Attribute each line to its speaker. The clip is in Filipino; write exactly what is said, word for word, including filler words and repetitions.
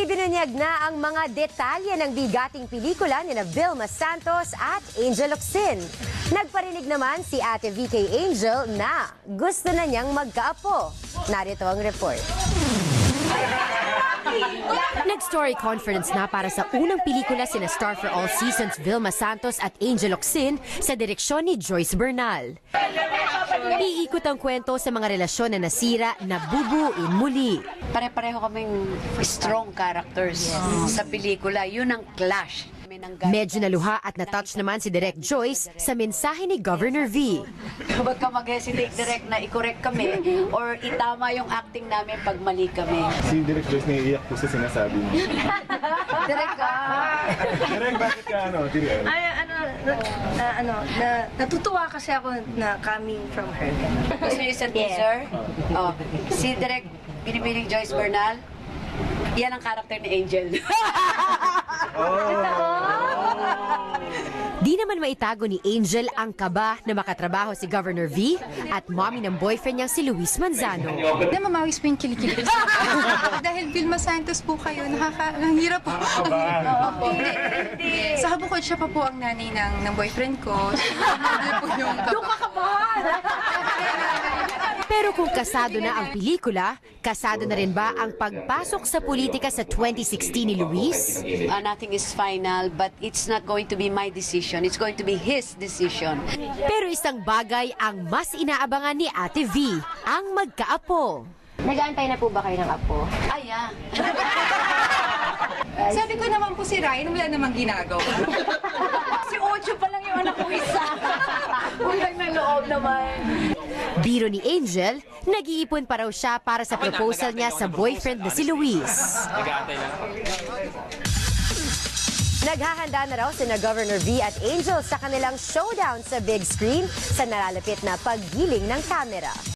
Speaker 1: Ibinunyag na ang mga detalye ng bigating pelikula ni na Vilma Santos at Angel Locsin. Nagparinig naman si Ate V kay Angel na gusto na niyang magkaapo. Narito ang report. Nag-story conference na para sa unang pelikula sina Star for All Seasons Vilma Santos at Angel Locsin sa direksyon ni Joyce Bernal. Iikot ang kwento sa mga relasyon na nasira na bubuin muli.
Speaker 2: Pare-pareho kaming strong characters sa pelikula. Yun ang clash.
Speaker 1: Medyo naluha at na-touch naman si Direk Joyce sa mensahe ni Governor V.
Speaker 2: Huwag ka mag-hesitate direct na i-correct kami or itama yung acting namin pag mali kami.
Speaker 3: Si Direk Joyce naiiyak po sa sinasabi niya.
Speaker 2: Direk ka!
Speaker 3: Direk, bakit ka ano? Direk?
Speaker 4: Ay, ano, na, na, ano, na, natutuwa kasi ako na coming from her.
Speaker 2: Gusto niyo isang teaser? Oh, si Direk Binibining Joyce Bernal, yan ang character ni Angel.
Speaker 1: Di naman maitago ni Angel ang kaba na makatrabaho si Governor V at mommy ng boyfriend niyang si Luis Manzano.
Speaker 5: Na mamawis po yung kilikili. Dahil Vilma Santos po kayo, nakaka... Ang hirap po. Sa kabukod siya pa po ang nanay ng, ng boyfriend ko. Siya po yung kaba.
Speaker 1: Pero kung kasado na ang pelikula, kasado na rin ba ang pagpasok sa politika sa twenty sixteen ni Luis?
Speaker 2: Uh, nothing is final, but it's not going to be my decision. It's going to be his decision.
Speaker 1: Pero isang bagay ang mas inaabangan ni Ate V, ang magkaapo.
Speaker 6: Nag-aantay na po ba kayo ng apo?
Speaker 2: Ay, ah.
Speaker 5: Sabi ko naman po si Ryan, wala namang ginagawa.
Speaker 2: Si Ocho pa lang yung anak ko isa. Ulang na loob naman.
Speaker 1: Biro ni Angel, nag-iipon pa raw siya para sa proposal niya sa boyfriend na si Luis. Naghahanda na raw sina Governor V at Angel sa kanilang showdown sa big screen sa nalalapit na paggiling ng kamera.